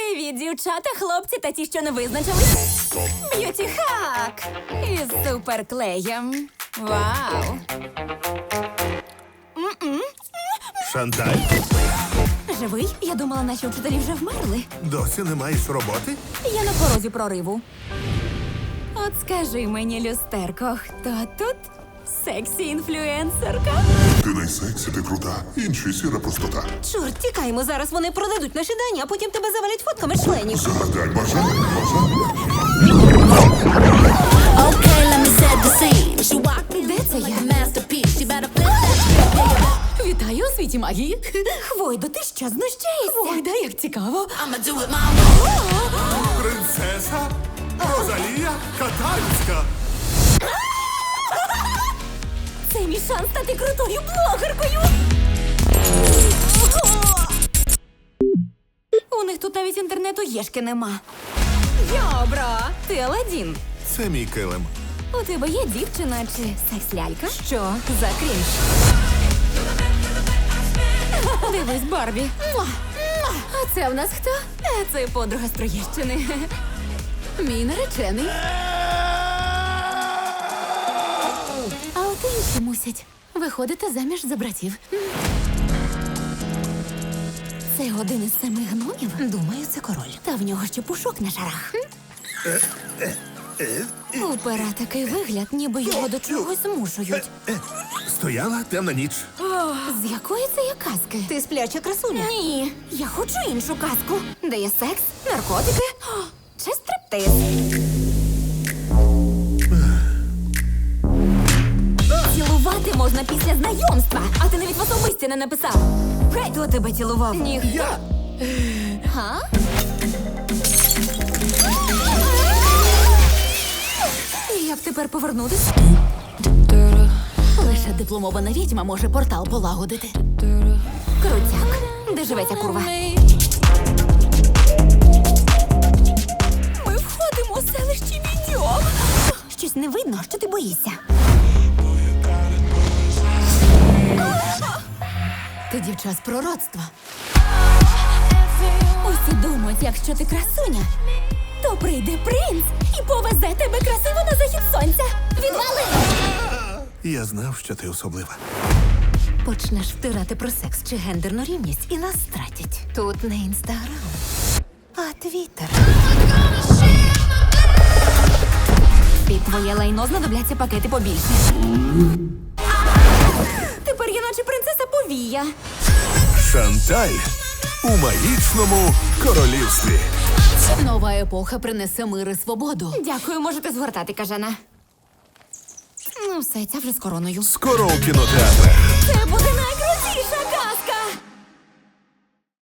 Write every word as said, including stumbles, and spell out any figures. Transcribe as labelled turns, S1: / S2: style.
S1: Привіт, дівчата, хлопці та ті, що не визначились. Б'юті хак із суперклеєм. Вау!
S2: Шанталь,
S1: Живий? Я думала, наші вчителі вже вмерли.
S2: досі не маєш роботи?
S1: Я на порозі прориву. От скажи мені, люстерко, хто тут сексі-інфлюенсерка?
S3: Ти найсексі, ти крута, інші сіра простота.
S1: Чорт, тікаймо, зараз вони продадуть наші дані, а потім тебе завалять фотками членів.
S3: Загадай бажання, бажання.
S4: Okay, let me set the scene. She walked in
S1: Де це
S4: like
S1: я?
S4: a masterpiece. She better flip that.
S1: Вітаю у світі магії. Хвойдо, ти що, знущаєшся? Хвойда, як цікаво.
S4: I'ma do it my way.
S2: Принцеса Розалія Катальська.
S1: Це мій шанс стати крутою блогеркою. У них тут навіть інтернету єшки нема. Йобро, ти Аладдін.
S2: Це мій килим.
S1: У тебе є дівчина чи секс-лялька? Що за крінж? Дивись, Барбі. Муа! Муа! А це в нас хто? Е, Це подруга з Троєщини. Мій наречений. А от інші мусять виходити заміж за братів. Це один із семи гномів? Думаю, це король. Та в нього ще пушок на шарах. У пера такий вигляд, ніби його до чогось змушують.
S2: Стояла темна ніч.
S1: З якої це є казки? Ти спляча красуня? Ні, я хочу іншу казку. Де є секс, наркотики о, чи стриптиз. Цілувати можна після знайомства, а ти навіть в особисті не написав. Хто тебе цілував? Ніхто.
S2: Я.
S1: Га? Як тепер повернутися? Лише дипломована відьма може портал полагодити. Крутяк. Де живе ця курва? Ми входимо у селище Відьом. Щось не видно, що ти боїшся. Ти дівча з пророцтва. Усі думають, якщо ти красуня, то прийде принц і повезе тебе красиво на захід сонця. Відвали!
S2: Я знав, що ти особлива.
S1: Почнеш втирати про секс чи гендерну рівність і нас стратять. Тут не інстаграм, а твіттер. Під твоє лайно знадобляться пакети побільше. Тепер я наче принцеса повія.
S2: Шанталь у магічному королівстві.
S1: Нова епоха принесе мир і свободу. Дякую, можете згортати, кажана. Ну, все, ця вже з короною.
S2: Скоро у кінотеатрах.